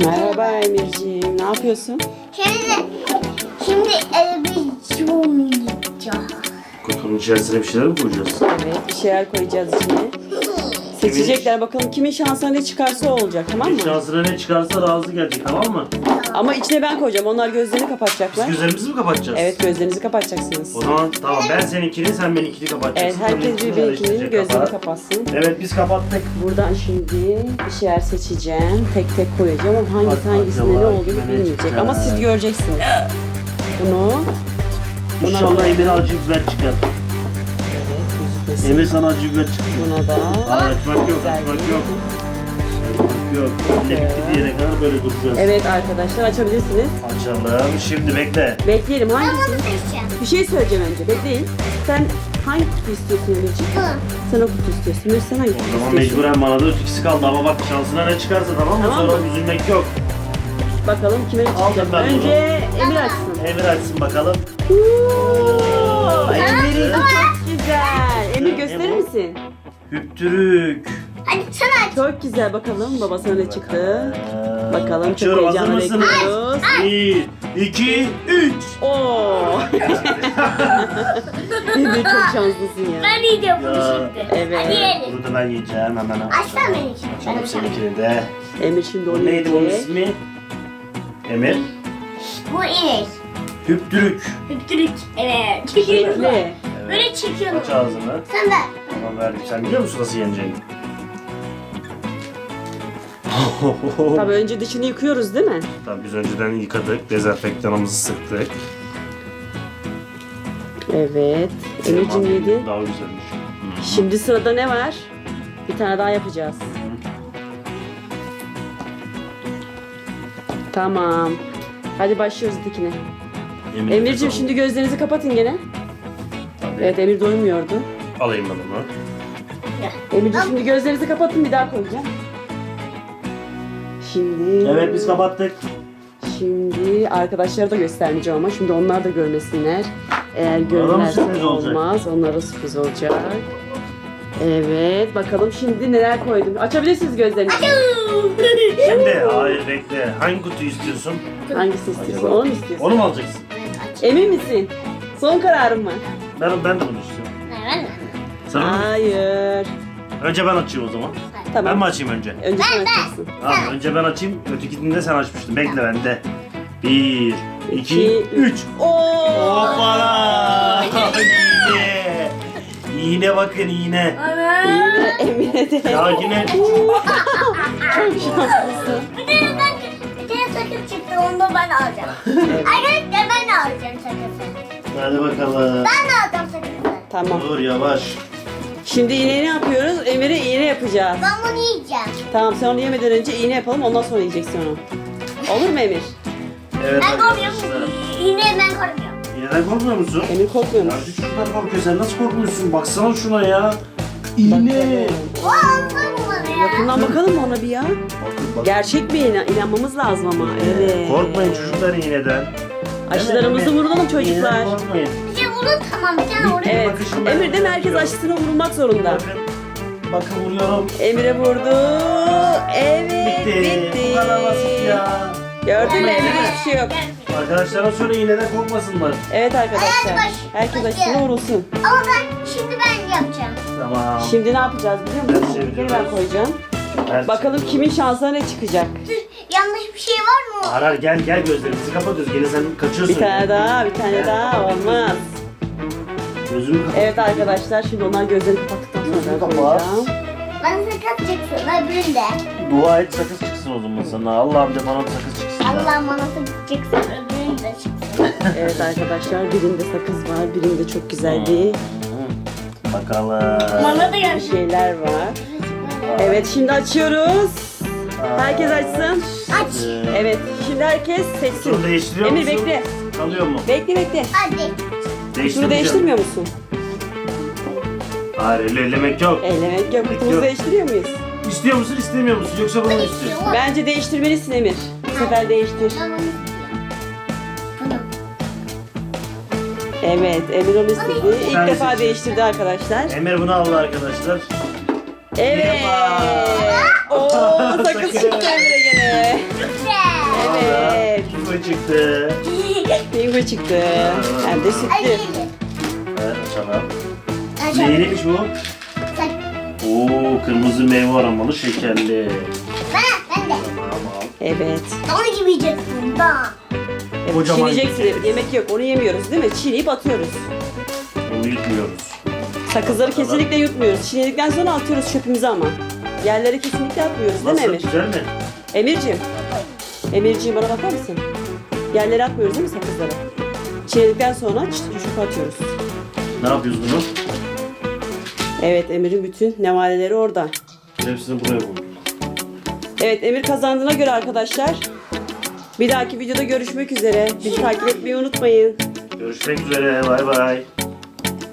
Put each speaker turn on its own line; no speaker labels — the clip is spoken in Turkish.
Merhaba Emirciğim, ne yapıyorsun?
Şimdi eve gideceğim.
Kutunun içerisine bir şeyler mi koyacağız?
Evet, bir şeyler koyacağız içine. Seçecekler bakalım kimin şansına ne çıkarsa o olacak, tamam mı?
Şansına ne çıkarsa razı gelecek, tamam mı?
Ama içine ben koyacağım, onlar gözlerini kapatacaklar.
Biz gözlerimizi mi kapatacağız?
Evet, gözlerinizi kapatacaksınız.
O zaman tamam, ben seninkini, sen benimkini
Evet,
kapatacaksın.
herkes birbirinin gözlerini kapatsın.
Evet, biz kapattık.
Buradan şimdi bir şeyler seçeceğim, tek tek koyacağım ama
Bak,
hangisinde
acaba
ne olduğunu
kime ne
bilmeyecek.
çıkacak?
Ama siz göreceksiniz. Bunu...
İnşallah Emir acı biber çıkar.
Evet,
Emir sana acı biber çıkıyor.
buna da...
Hayır, açmak yok,
Güzel
açmak
bir-
yok. Açmak yok. Elle bitti diyene kadar böyle duracağız.
Evet arkadaşlar, açabilirsiniz.
Açalım. Şimdi bekle.
Bekleyelim,
Ben
hangisi?
bunu seçeceğim.
Bir şey söyleyeceğim önce, bekleyin. Sen hangi kutu istiyorsun Emirciğim? Sen o kutu istiyorsun. Emir sen hangi kutu
O zaman
istiyorsun?
mecburen bana da ikisi kaldı ama bak şansına ne çıkarsa tamam mı?
Tamam
Sonra
mı?
üzülmek yok.
Bakalım kime ne çıkacak.
ben bunu.
Önce Emir açsın.
Emir açsın bakalım.
Emir'in çok güzel. Emir gösterir
bu?
misin?
Hüptürük.
Hadi sen aç.
Çok güzel, bakalım babasına ne çıktı. Bakalım, çok
Açıyorum, hazır
heyecanla
mısınız?
bekliyoruz.
1, 2, 3.
Oo. Emir çok şanslısın ya.
Ben yiyeceğim bunu
Ya.
şimdi.
Evet.
Hadi yiyelim.
Bunu da ben yiyeceğim hemen.
Açsana beni için.
Açalım seninkini de.
Emir şimdi onu
Bu neydi bunun
yiyecek.
ismi? Emir.
Bu inek.
Hüptürük.
Hüptürük. Evet.
Bekle.
Evet.
Böyle çekiyorum.
Aç ağzını.
Sen ver.
Tamam verdim. Sen biliyor musun nasıl yeneceğini?
Tabii önce dışını yıkıyoruz değil mi?
Tabii biz önceden yıkadık. Dezenfektanımızı sıktık.
Evet. Emir'cim yedi.
Daha güzelmiş.
Şimdi sırada ne var? Bir tane daha yapacağız. Tamam. Hadi başlıyoruz dikine. Emir'cim şimdi gözlerinizi kapatın gene.
Tabii.
Evet, Emir doymuyordu.
Alayım ben onu.
Emir'cim şimdi gözlerinizi kapatın, bir daha koyacağım. Şimdi...
Evet biz kapattık.
Şimdi arkadaşlara da göstermeyeceğim ama şimdi onlar da görmesinler. Eğer görürlerse
sürpriz olacak.
olmaz. Onlara sürpriz olacak. Evet, bakalım şimdi neler koydum. Açabilirsiniz gözlerinizi.
Şimdi hayır bekle. Hangi kutuyu istiyorsun?
Hangisini istiyorsun? Onu mu istiyorsun?
Onu mu alacaksın?
Emin misin? Son kararın mı?
Ben de bunu istiyorum.
Ben de.
Sen onu mu?
Hayır.
Önce ben açayım o zaman.
Tamam.
Ben mi açayım önce?
Önce sen açacaksın.
Tamam önce ben açayım. Ötekini de sen açmıştın. Bekle bende. 1, 2,
İki,
3.
Oo!
Hoppala! İğne. İğne bakın iğne.
Yine Emine de.
Ya yine
Çok şanslısın.
Bir tane sakız çıktı, onu da ben alacağım. Arkadaşlar ben de alacağım sakızı.
hadi bakalım.
Ben de alacağım sakızı.
Tamam.
Dur yavaş.
Şimdi iğne ne yapıyoruz? Emir'e iğne yapacağız.
Ben bunu yiyeceğim.
Tamam, sen onu yemeden önce iğne yapalım, ondan sonra yiyeceksin onu. Olur mu Emir?
Evet
Ben korkuyorum.
arkadaşlar.
Yine ben korkuyorum.
İğneden korkmuyor musun?
Emir korkmuyormuş.
Ya şu çocuklar korkuyor. Sen nasıl korkmuyorsun? Baksana şuna ya. İğne.
O alsana bana ya.
Yakından bakalım mı ona bir ya?
Bak.
Gerçek mi iğne? İnanmamız lazım ama. Evet.
Korkmayın çocuklar iğneden.
Aşılarımızı
Evet,
vurulalım çocuklar.
İğneden korkmayın.
Bir şey vurun, tamam, bir tane vurun.
Evet.
Bakın şimdi.
Emir değil mi? Herkes aşısına vurulmak zorunda.
Bakın vuruyorum.
Emir'e vurdu. Evet.
Bitti. Bu kadar basit ya.
Gördün mü? Emir'de hiçbir şey yok.
Arkadaşlara söyle iğneden korkmasınlar.
Evet arkadaşlar.
Hadi baş-
Herkes
başlayalım.
aşısına vurulsun.
Ama şimdi ben yapacağım.
Tamam.
Şimdi ne yapacağız biliyor musun?
Ters
Geri ben
çeviriyoruz.
koyacağım.
Ters
Bakalım
çeviriyoruz.
kimin şansına ne çıkacak.
Yanlış bir şey var mı?
Arar gel gözlerimizi kapatıyoruz. Gene sen kaçıyorsun.
Bir tane daha, bir tane daha olmaz.
Gözümü kapat.
Evet arkadaşlar, şimdi onlar gözlerini kapattıktan sonra ben
Kapat.
koyacağım.
Bana sakız çıksın, öbüründe.
Dua et sakız çıksın o zaman sana. Allah'ım de bana bir sakız çıksın.
Allah bana sakız çıksın, öbüründe çıksın.
Evet arkadaşlar, birinde sakız var, birinde çok güzel bir
Bakalım.
Bana da gelsin.
şeyler var. Evet, şimdi açıyoruz. Herkes açsın.
Aç.
Evet, şimdi herkes
Şunu
seçsin.
değiştiriyor
Emir
musun?
bekle.
Kalıyor mu?
Bekle.
Hadi.
Şunu değiştirmiyor musun?
Hayır ellemek yok.
Elemek yok. Kutumuzu
Yok.
değiştiriyor muyuz?
İstiyor musun istemiyor musun? Yoksa bunu mu istiyorsun?
Bence değiştirmelisin Emir. Bu sefer değiştir.
Ben bunu istiyorum. Bunu.
Evet, Emir onu istedi. İlk
Sen
defa
seçin.
değiştirdi arkadaşlar.
Emir bunu aldı arkadaşlar.
Evet.
Merhaba.
Oo, sakız
Sakız.
çıktı Emir'e gene.
Güzel.
çıktı.
Bingo çıktı. Hem de sütlü.
Evet, açalım. Neyliymiş bu? Oo, kırmızı meyve aromalı şekerli.
Ben de.
Tamam.
Evet.
Onu gibi yiyeceksin. Daha.
Evet,
Kocaman.
çiğneyeceksin Emir. Yemek yok. Onu yemiyoruz değil mi? Çiğneyip atıyoruz.
Onu yutmuyoruz.
Sakızları kesinlikle yutmuyoruz. Çiğnedikten sonra atıyoruz çöpümüze ama. Yerlere kesinlikle atmıyoruz değil mi
Nasıl?
Emir?
Güzel mi?
Emir'cim. Emir'ciğim bana bakar mısın? Yerlere atmıyoruz değil mi sakızları? Çiğnedikten sonra çöpe atıyoruz.
Ne yapıyoruz bunu?
Evet, Emir'in bütün nevaleleri orada.
Hepsini buraya koyduk.
Evet, Emir kazandığına göre arkadaşlar bir dahaki videoda görüşmek üzere. Bizi takip etmeyi unutmayın.
Görüşmek üzere. Bay bay.